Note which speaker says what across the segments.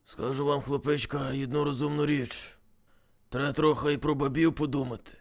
Speaker 1: Скажу вам, хлопечка, одну розумну річ. Треба трохи і про бабів подумати.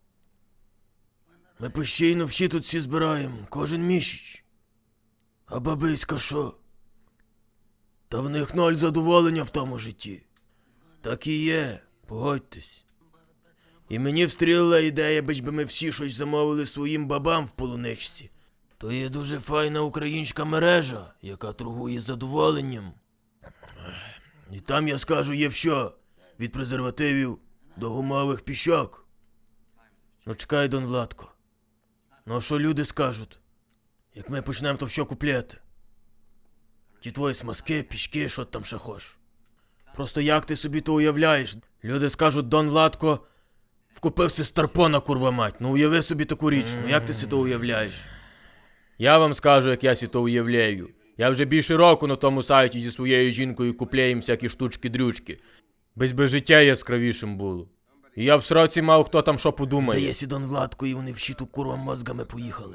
Speaker 1: Ми постійно всі тут всі збираємо, кожен місяць. А бабиська що? Та в них ноль задоволення в тому житті. Так і є, погодьтесь. І мені встрілила ідея, би ми всі щось замовили своїм бабам в полуничці. То є дуже файна українська мережа, яка торгує задоволенням. І там, я скажу, є все. Від презервативів до гумових піщок. Ну чекай, Дон Владко. Ну а що люди скажуть? Як ми почнемо то що купляти? Ті твої смазки, пішки, що там ще хоч. Просто як ти собі то уявляєш? Люди скажуть, Дон Владко вкупився старпона, курва мать. Ну уяви собі таку річ, ну як ти си то уявляєш? Я вам скажу, як я си то уявляю. Я вже більше року на тому сайті зі своєю жінкою купляєм всякі штучки-дрючки. Без життя яскравішим було. І я в сроці мав, хто там що подумає. Здається, Дон Владко, і вони в щиту курва мозгами поїхали.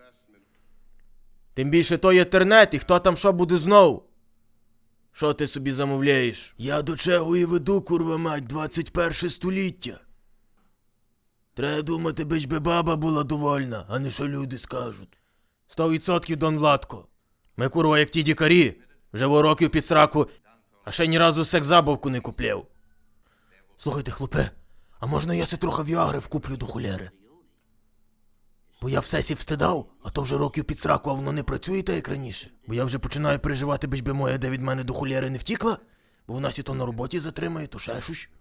Speaker 1: Тим більше то є інтернет, і хто там що буде знов? Що ти собі замовляєш? Я до чого і веду, курва мать, 21 століття. Треба думати, би баба була довольна, а не що люди скажуть. 100% Дон Владко. Ми, курва, як ті дікарі, вже во років під сраку, а ще ні разу секс-забавку не купляв. Слухайте, хлопе, а можна я си трохи віагри вкуплю до хуляри? Бо я все сі встидав, а то вже років під сраку, а воно не працює так, як раніше. Бо я вже починаю переживати, би моя де від мене до хуляри не втікла, бо вона сі то на роботі затримає, то ще щось.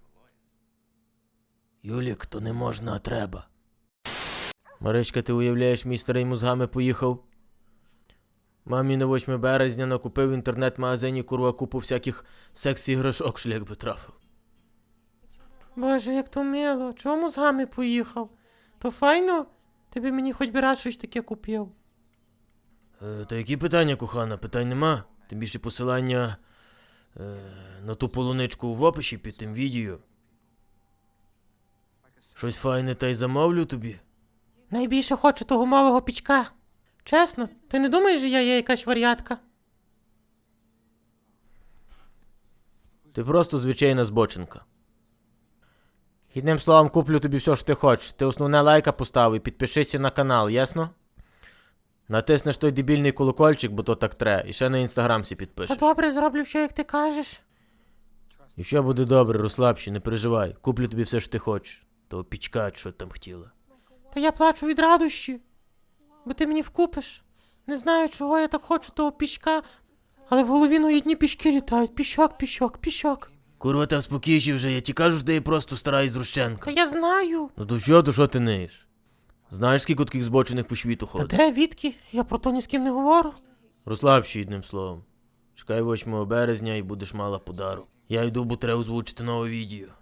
Speaker 1: Юлік, то не можна, а треба. Маричка, ти уявляєш, мій старий мозгами поїхав? Мамі на 8 березня накупив в інтернет-магазині курва купу всяких секс-іграшок, шлях би трафив.
Speaker 2: Боже, як то мило. Чого мозгами поїхав? То файно? Ти би мені хоч би раз щось таке купив.
Speaker 1: Та які питання, кохана? Питань нема. Тим більше посилання на ту полуничку в описі під тим відео. Щось файне та й замовлю тобі.
Speaker 2: Найбільше хочу того гумового пічка. Чесно, ти не думаєш, що я є якась вар'ятка?
Speaker 1: Ти просто звичайна збочинка. Одним словом, куплю тобі все, що ти хочеш. Ти основне лайка постав і підпишися на канал, ясно? Натиснеш той дебільний колокольчик, бо то так тре, і ще на інстаграм сі
Speaker 2: Та
Speaker 1: підпишеш.
Speaker 2: добре, зроблю все, як ти кажеш.
Speaker 1: І все буде добре, розслабся, не переживай. Куплю тобі все, що ти хочеш. Того пічка, що там хотіла.
Speaker 2: Та я плачу від радощі, бо ти мені вкупиш. Не знаю, чого я так хочу того пічка, але в голові ну одні пічки літають. Пічок, пічок, пічок.
Speaker 1: Курва, та спокійші вже, я ті кажу, що ти просто стара ізрущенка.
Speaker 2: Та я знаю.
Speaker 1: Ну то що ти неєш? Знаєш, скільки таких збочених по світу
Speaker 2: Та
Speaker 1: ходить?
Speaker 2: де, відки? Я про то ні з ким не говорю.
Speaker 1: Розслабся, одним словом. Чекай 8 березня і будеш мала подарок. Я йду, бо треба озвучити нове відео.